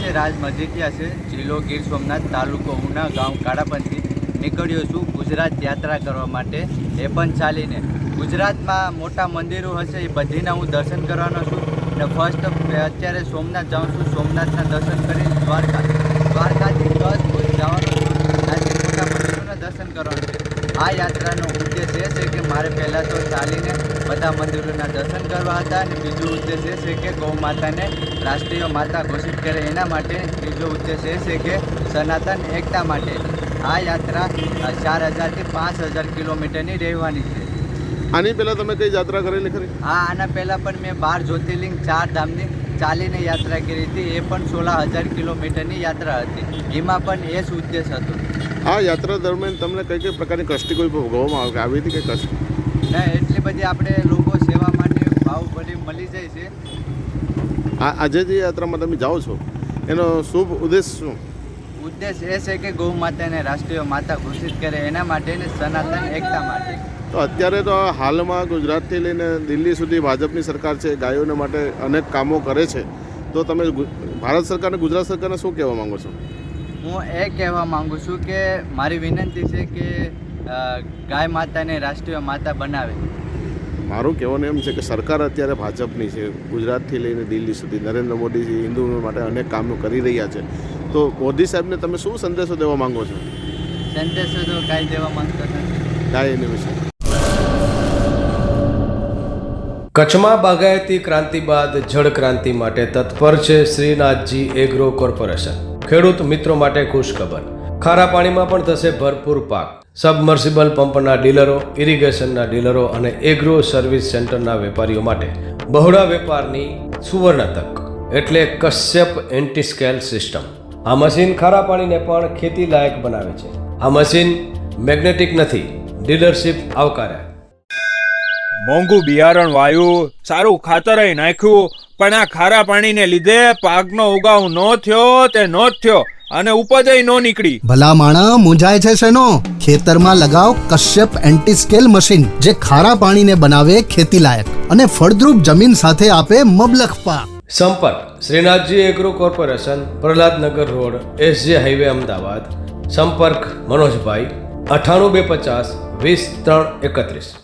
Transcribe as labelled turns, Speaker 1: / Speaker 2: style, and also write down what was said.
Speaker 1: છે રાજ મજીઠિયા છે, જિલ્લો ગીર સોમનાથ, તાલુકો ઉના, ગામ કાળાપંથી. નીકળ્યો છું ગુજરાત યાત્રા કરવા માટે, એ પણ ચાલીને. ગુજરાતમાં મોટા મંદિરો હશે એ બધીના હું દર્શન કરવાનો છું. અને ફર્સ્ટ અત્યારે સોમનાથ જાઉં છું, સોમનાથના દર્શન કરી દ્વારકાથી 10 ભુજ જવાનું છું. ત્યાંથી મોટા મંદિરોના દર્શન કરવાનું છે. આ યાત્રાનો ઉદ્દેશ એ છે કે મારે પહેલાં તો ચાલીને બધા મંદિરોના દર્શન કરવા હતા, અને બીજો ઉદ્દેશ એ છે કે ગૌ માતાને રાષ્ટ્રીય માતા ઘોષિત કરે એના માટે. ત્રીજો ઉદ્દેશ એ છે કે સનાતન એકતા માટે. આ યાત્રા 4000 થી 5000 કિલોમીટરની રહેવાની છે.
Speaker 2: આની પહેલાં તમે કઈ યાત્રા કરેલી ખરી?
Speaker 1: હા, આના પહેલાં પણ મેં 12 જ્યોતિર્લિંગ 4 ધામની ચાલીને યાત્રા કરી હતી. એ પણ 16000 કિલોમીટરની યાત્રા હતી. એમાં પણ એ જ ઉદ્દેશ હતો.
Speaker 2: આ યાત્રા દરમિયાન તમને કઈ પ્રકારની કષ્ટી કોઈ ભોગવવામાં આવી હતી કે કષ્ટ?
Speaker 1: ના, એટલી બધી આપણે લોકો સેવા માટે ભાવ બધી મળી જાય છે.
Speaker 2: આજે જે યાત્રામાં તમે જાઓ છો એનો શુભ ઉદ્દેશ શું?
Speaker 1: ઉદ્દેશ એ છે કે ગૌ માતાને રાષ્ટ્રીય માતા ઘોષિત કરે એના માટે ને સનાતન એકતા માટે.
Speaker 2: તો અત્યારે તો હાલમાં ગુજરાતથી લઈને દિલ્હી સુધી ભાજપની સરકાર છે, ગાયોને માટે અનેક કામો કરે છે. તો તમે ભારત સરકારને, ગુજરાત સરકારને શું કહેવા માંગો છો?
Speaker 1: હું એ કહેવા માગું છું કે મારી વિનંતી છે કે ગાય માતાને રાષ્ટ્રીય માતા બનાવે.
Speaker 2: મારું કહેવાનું એમ છે કે સરકાર અત્યારે ભાજપની છે, ગુજરાતથી લઈને દિલ્હી સુધી નરેન્દ્ર મોદીજી હિન્દુઓ માટે અનેક કામો કરી રહ્યા છે. તો મોદી સાહેબને તમે શું સંદેશો દેવા માંગો છો?
Speaker 1: સંદેશો તો કાંઈ દેવા માંગતો નથી.
Speaker 2: ગાય એની વિશે
Speaker 3: કચ્છમાં બાગાયતી ક્રાંતિ બાદ જળ ક્રાંતિ માટે તત્પર છે શ્રીનાથજી એગ્રો કોર્પોરેશન. ખેડૂત મિત્રો માટે ખુશખબર, ખારા પાણીમાં પણ થશે ભરપૂર પાક. સબમર્સિબલ પંપના ડીલરો, ઇરિગેશનના ડીલરો અને એગ્રો સર્વિસ સેન્ટરના વેપારીઓ માટે બહોળા વેપારની સુવર્ણ તક, એટલે કશ્યપ એન્ટીસ્કેલ સિસ્ટમ. આ મશીન ખારા પાણીને પણ ખેતી લાયક બનાવે છે. આ મશીન મેગ્નેટિક નથી, ડીલરશીપ આવકાર્યા.
Speaker 4: મોંઘું બિયારણ વાયું, સારું ખાતર નાખ્યું, પણ આ ખારા પાણીને લીધે પાકનો ઉગાવ નો થયો તે નો જ થયો, અને ઉપજ નો નીકળી.
Speaker 5: ભલા માણા મૂંઝાય છે શેનો? ખેતરમાં લગાવ કશ્યપ એન્ટીસ્કેલ મશીન, જે ખારા પાણીને બનાવે ખેતી લાયક અને ફળદ્રુપ જમીન સાથે આપે મબલખ પાક.
Speaker 3: સંપર્ક Shrinathji agro corporation, Prahladnagar road, SJ હાઈવે, અમદાવાદ. સંપર્ક મનોજભાઈ 98 250 20 331.